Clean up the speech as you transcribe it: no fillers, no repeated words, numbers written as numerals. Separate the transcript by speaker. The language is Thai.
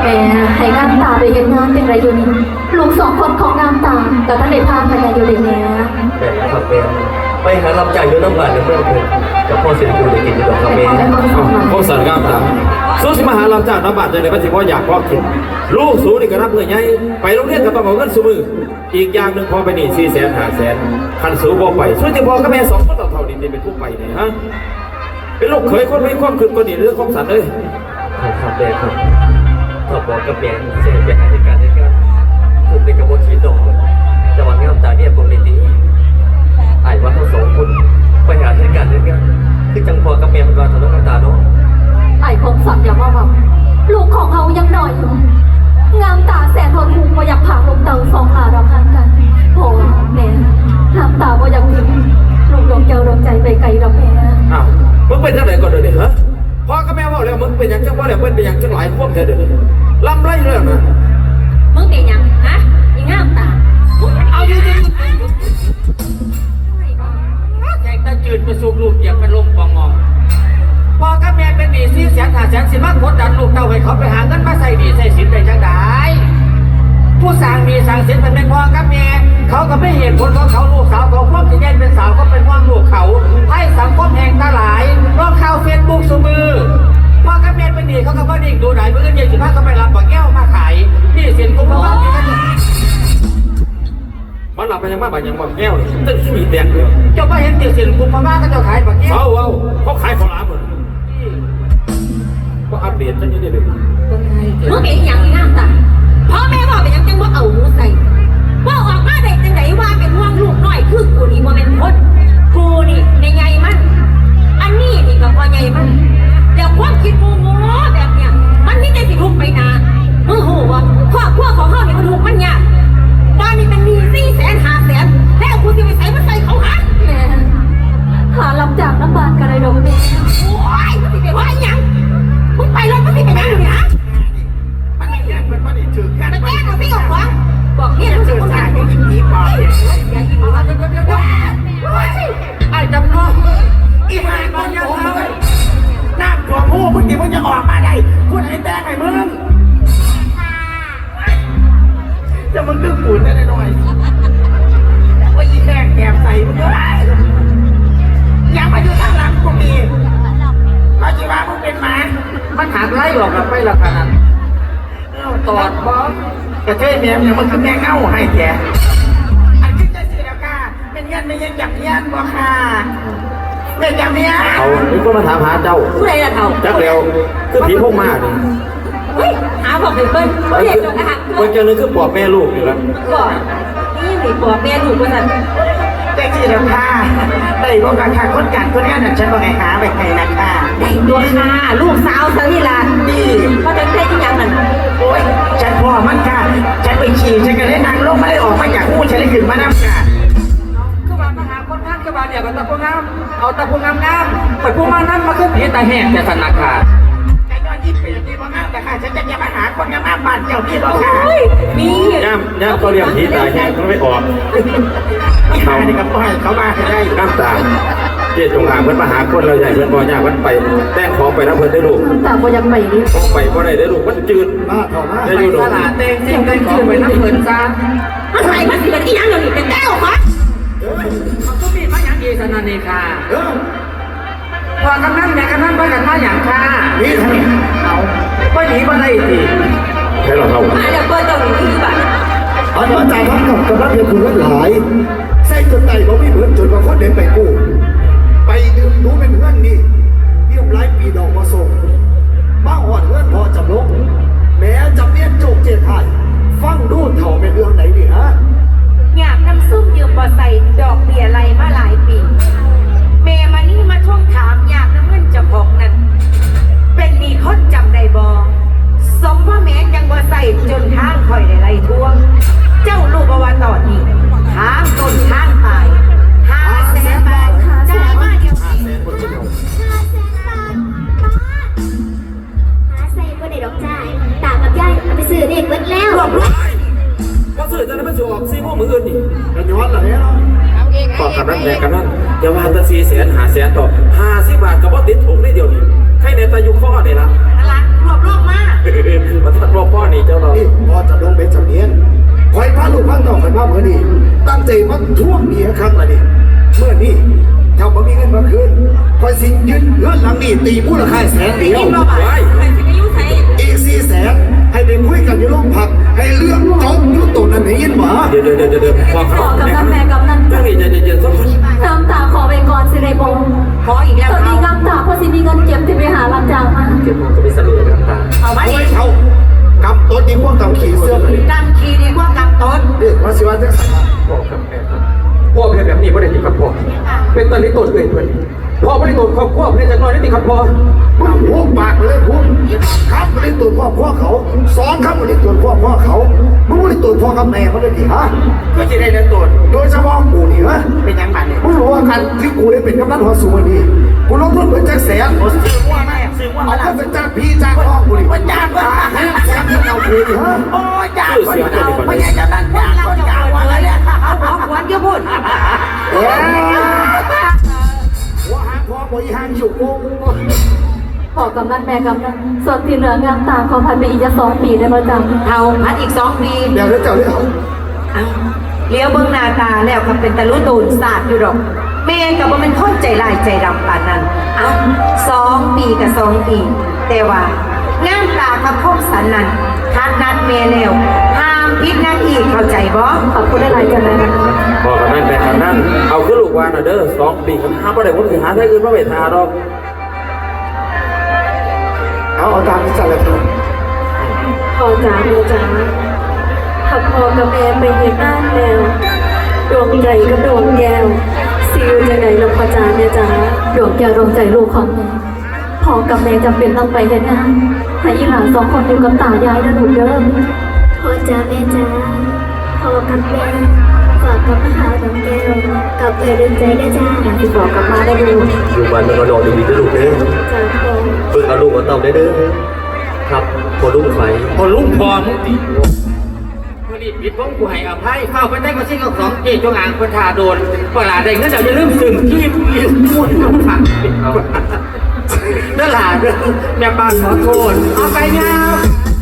Speaker 1: ม่ให้งามตาไปเห็นงานเป็นไรอยู่นี่ลูกสองคนของงามตาแต่ท่านได้พากันอยู่เลยแม่
Speaker 2: แต่ครับแม่ไปหาลำใจอยู่น้ำบานในเมืองเพิ่นกับพ่อเสียอยู่ในกินอยู่ดอกครับแม่
Speaker 3: พวกสันงามตาสู้สิมาหาลำจากน้ำบาดใจเลยว่าสิพ่ออยากพ่อกินลูกสูนี่ก็รับเงินใหญ่ไปโรงเรียนก็ต้องเอาเงินสูมืออีกอย่างหนึ่งพอไปนี่400,000-500,000คันสูบ่ไปสู้ที่พ่อกับแม่2 คนต่อเท่านี้เป็นผู้ไปเนี่ยฮะเป็นลูกเขยคนไม่ความคืนคนนี้เรื่องของสันเลย
Speaker 2: ครับแม่ครับถ้าบอกกับแม่เสียไปหาเหตุการณ์ถูกในกระบวนการดอกแต่ว่างามตาเนี่ยผมในดีไอ้ว่าทั้ง2 คนไปหาเหตุการณ์คือจังพอกับแม่มันว่าทะเลาะกันตาเนาะ
Speaker 1: ไอ้คงสั่งอย่าว่าลูกของเขายังหน่อยอยู่งามตาแสนทนหูว่าอยากผ่าลงเตาสองหาเราพันกันโหแม่งามตาว่าอยากทิ้งลูกดวงเจ้าดวงใจไปไกลเราแม่
Speaker 3: อ้าวมึงเป็นจังไหนก่อนเดี๋ยวนี้ฮะพ่อกับแม่ว่าแล้วมึงเป็นอย่างจังว่าแล้วมึงเป็นอย่างจังหลายพวกเธอเดี๋ยวนี้ลำไรเรื่องนะ
Speaker 1: มึงเป็นยังฮะยังงามตา
Speaker 3: เอาอยู่จริง
Speaker 4: แจกตะจืดไปสูบลูกอยากเป็นลมปองงองพ่อกับแม่เป็นหนี้400,000-500,000สิมากดดันลูกเต้าให้เขาไปหาเงินมาใส่หนี้ใส่สินได้จังได้ผู้สร้างหนี้สร้างสินเป็นพ่อกับแม่เขาก็ไม่เห็นผลของเขาลูกสาวของพ่อจะแย่งเป็นสาวก็เป็นห่วงลูกเขาให้สังคมแห่งตาหลายร้องข่าวเฟซบุ๊กสูมือพ่อกับแม่เป็นหนี้เขาก็บ่ดิ่งดูไหนเมื่อเย็น15เขาไปรับบักแก้วมาขายหนี้สินกุมภาพันธ์นี่ก็
Speaker 3: มันหลับไปยังบ้านไปยังบ้านแก้วเลยตึ้งมีแดงเลย
Speaker 4: เจ้าไปเห็นหนี้สินกุมภาพันธ์ก็จะขายบักแก้ว
Speaker 3: เขาขายของร้านหมดก็อัปเดตกันอยู่เรื่อย
Speaker 1: มึงเป็นอย่างงามตาพ่อแม่บอกเป็นยังจังว่าเอาหูใส่ว่าออกมาได้จังไหนว่าเป็นห่วงลูกน้อยคือกูนี่ว่าเป็นคนกูนี่ในใหญ่มันอันนี้นี่ก็พอใหญ่มันแล้วความคิดโง่แบบเนี้ยมันนี่ได้สิลุกไปนามึงโหว่าครอบครัวของเขาเนี่ยมันลุกมันยากตอนนี้มันมี400,000-500,000แล้วกูจะไปใส่มันใส่เขาหันแม่หาลำจากน้ำบานกันเลยดอกแม่โอ้ยมันสิเป็นว่าอย่างมึงไปรถมันสิเป็นยังไงเนี่ย
Speaker 4: มันไม่อยากมันไม่ถือกัน
Speaker 1: มันแก้เราไม่ออกวะบอกเนี่ยรู้สึกว่าการ
Speaker 4: ไม่ยินดีป่ะอย่ายินดีไอ้จำลองอีหายบอลยังเขาน้ำตัวผู้มึงดิมึงจะออกมาได้พูดให้แตกไอ้มึงจะมึงดื้อปุ่นได้หน่อยว่าอีแดงแอบใส่มึงก็ได้อย่ามาอยู่ทางหลังกูดีมาจีว่ามึงเป็นหมามันหาไล่หรอกกับไปละขนาดตอดบอสกระเทยแม่ยังมันคือแม่เง่าให้แกอันนี้จะเสียก้าเป็นยันไม่ยังจับยันบ่ค่ะเป็นอย่างเนี้ย
Speaker 3: เขามีคนมาถามหาเจ้า
Speaker 1: ผู้ใดล่ะเขา
Speaker 3: จักเดียวคือผีพวกมาเนี่ย
Speaker 1: เฮ้ยหาบอกเพิ่นเขาเรียกจงอาหาร
Speaker 3: คนเจอเลยคือปอบแม่ลูกอยู่แล้ว
Speaker 1: ก่อนนี่สิปอบแม่ลูกว่าสั่น
Speaker 4: แต่ที่เราค่ะได้บอกกันค่ะคนกันคนนี้น่ะฉันบอกให้หาไปให้นะคะ
Speaker 1: ได้ตัวค่ะลูกสาวสาวิลา
Speaker 4: นี่
Speaker 1: เขาจะได้ที่ยังนั่น
Speaker 4: โอ้ยฉันพ่อมันค่ะฉันไปขี่ฉันก็ได้นั่งลงไม่ได้ออกมาจากหูฉันเลยขึ้นมานั่งค่ะคือว่ามาหาคนงามคือว่าเนี่ยก็ตะพูงามเอาตะพูงามเปิดพูงามนั้นมาขึ้นผีตาแห้งแต่สนักค่ะแต่ย้อนยิ้มเป็นที่ว่างามแต่ค่ะฉันจะมาหาคนงามบ้านเจ้าพี่บอกค่ะ
Speaker 1: มี
Speaker 3: ย่ำเขาเรียกผีตาแห้งเขาไม่ออก
Speaker 4: เขาเนี่ยก็ปล่อยเขามาได้
Speaker 3: น้ำตาเจี๊ยจงอางเพื่อนมาหาคนเราใหญ่เพื่อนบ่อยากมันไปแต่งของไปแล้วเพื่อนได้ลูก
Speaker 1: ตาบ่ยังไปนี่
Speaker 3: ไปบ่ได้ลูกมันจืด
Speaker 4: ได้อยู่ตลาดเต้งซิ่งได้ของไปน้ำเงินซะ
Speaker 1: มันใส่มาสิเป็นที่ยังอยู่นี่เป็นแก้วครับ
Speaker 4: มันก็มีมาอย่างดีสนันนี่ค่ะพอกำนันแม่กำนันไปกันมาอย่างค่ะนี่ทำไมเอาไปหนีมาได้ที
Speaker 3: ใช่หรอเขา
Speaker 1: มาเดี๋ยวเปิดตรงนี้คือแบบ
Speaker 5: อันว่าจ่ายทั้งกับกำลังเพียงคุณวัดหลายใส่จนไต่บ่มีเหมือนจนมาคนเดินไปกู้ไปลืมรู้เป็นเพื่อนนี่เรียบร้อยปีดอกมาส่งมาหอดเพื่อนพอจำลงแม้จำเนียนโจกเจ็ดหายฟังดูเถ่าเป็นเรื่องไหนดิฮะ
Speaker 1: อยากน้ำซุปยืมบ่ใส่ดอกเบี้ยไรมาหลายปีเมมานี่มาท่วงถามอยากน้ำเงินเจ้าของนั้นเป็นมีคนจำได้บ่สมว่าแม้ยังบ่ใส่จนทางคอยได้ไล่ทวงเจ้าลูกว่าตอนนี้ทางต้นทางตาย500,000 บาทจ่ายมาเดียว
Speaker 6: 500,000 บาทหาใส่ก็ได้ดอกจ่ายตากับยายเอาไปซื้อเด็กเบิดแล้ว
Speaker 3: ก็ซื้อจะได้ไม่ซื้อออก4 โมงมื้ออื่นนี่
Speaker 5: กันย้อนหลังเนาะ
Speaker 3: ต่อกันนั้นแม่กันนั้นอย่าว่าแต่400,000-500,000ต่อ50 บาทกับว่าติดถุงได้เดียวนี่ใครในตายุข้อนี่ละ
Speaker 1: อะไรรวบมาก
Speaker 3: มาทัดรอบพ่อ
Speaker 5: ใจมันท่วงเมียครั้งละนี่เมื่อนี้ถ้าบ่มีเงินมาคืนคอยสิยึดเงินหลังนี้ตีมูลค่าแสนเดียว
Speaker 1: บ่บ่ายใครสิไปอยู่ไส
Speaker 5: อีก400,000ให้ไปคุยกันอยู่โรงพักให้เรื่องจบอยู่ตรงนั้นให้ยินหมา
Speaker 3: เดี๋ยวพ่อค
Speaker 6: ข
Speaker 3: รั
Speaker 6: อบ กับแม่กำนัน
Speaker 3: เรื่องนี้ใจเย็นๆสักคน
Speaker 6: น้ำตาขอไปก่อนสิไรบง
Speaker 1: ขออีกแล้ว
Speaker 6: ตอน
Speaker 1: เอา
Speaker 6: นี้น้ำตาเพราะสิมีเงินเก็บที่ไปหารับจ้างมา
Speaker 2: เก็บมองก็ไม่สรุปเลยน้ำตา
Speaker 1: เอามา
Speaker 5: โอ้
Speaker 1: ดิ
Speaker 5: ยเขากำต้นดีกว่ากำขี่เสื้อเลย
Speaker 1: กำคีดีกว่ากำต้น
Speaker 5: เด็กมาสิว่าจะสั่ง
Speaker 2: พ่อกับแม่ครับพ่อเป็นแบบนี้ไม่ได้ที่ครับพ่อเป็นตอนนี้ตัวเองเพื่อนพ่อไม่ได้ตัวครอบครัวไม่ได้จะน้อยนี่ติครับพ่อ
Speaker 5: มึงพูดปากไปเลยพูดครับไม่ได้ตัวพ่อเขาสอนครับไม่ได้ตัวพ่อเขามึงไม่ได้ตัวพ่อกับแม่เขาเลยดิฮะ
Speaker 4: ก็จะได้เดินตัว
Speaker 5: โดยเฉพาะกูนี่ฮะ
Speaker 4: เป็นยังบันเนี่ย
Speaker 5: มึงรู้ว่าการที่กูได้เป็นกำนันหัวสูงวันนี้กูลงทุนเหมือนแจ็คแสน
Speaker 4: ซื้อว่าแม่ซื้อว่า
Speaker 5: เอา
Speaker 4: อะไร
Speaker 5: เงินเป็นจ้างพี่จ้างน้องกูดิ
Speaker 4: มันยากว่า
Speaker 5: แสนเอากูดิฮะ
Speaker 4: โอ้ยยากกว่าเราไม่ใช่จะนั่นยากกว่าเก่าอะไรเนี่ย
Speaker 1: เอาหัวเดี๋ยวพูด
Speaker 5: เอ้หัวหางพ่อบริหารอยู่กู
Speaker 6: ขอกำนันแม่กำนันส่วนที่เหลืองามตาขอพันไปอีกจะ2 ปีได้มาจ้ะ
Speaker 1: เอาพัดอีก2 ปี
Speaker 5: เดี๋ยวเจ้าเรื่อง
Speaker 1: เอาเลี้ยวเบิ่งหน้าตาแล้วก็เป็นตะลุตูนศาสตร์อยู่ดอกแม่ก็บ่เป็นคนใจร้ายใจดำปานนั้นเอา2 ปีกับ2 ปี แต่ว่างามตากับคมสันนั้นทัดนัดแม่แล้วห้ามผิดนัดอีกเข้าใจบ่
Speaker 6: ขอบคุณได้หลายจังเลยนะ
Speaker 3: พ่อกับแม่แต่กันนั่นเอาขึ้นลูกวานเด้อ2 ปีกันห้าประเดี๋ยวผมสิหาได้อื่นมาเวทาดอก
Speaker 5: เอาตามที่สั่งเลยครับ
Speaker 6: พ่อจ๋าแม่จ๋าถ้าพ่อกับแม่ไปเห็นหน้าแล้วดวงใจกับดวงแก้วสิอยู่จังไหนลูกพ่อจ๋าแม่จ๋าดวงแก้วดวงใจลูกของแม่พ่อกับแม่จำเป็นต้องไปเห็นงานให้อีหลาน2 คนอยู่กับตายายนะลูกเด้อพ่อจ๋าแม่จ๋าพ่อกับแม่ฝากกับมาหาดวงแก้วกับเอ๋ดวงใจได้จ้าที่บอกกับมาได้ดู
Speaker 2: อยู่บ้านมันนอนดีๆด้วยลูกเด้อ
Speaker 6: จ้าพ่อ
Speaker 2: ฝึกเอาลูกเอาเต่าได้เด้อครับพอลูกไฟ
Speaker 4: คนลุงพอมึงตีวันนี้ปิดผมกูให้อภัยเข้าไปได้ก็ซิ่งกับของเจ๊จงอ่างคนทาโดนเวลาได้เงินเดี๋ยวจะลืมซึมที่ลืมมุ่นน้ำผักนั่นแหละแม่ป้าขอโทษเอาไปยาว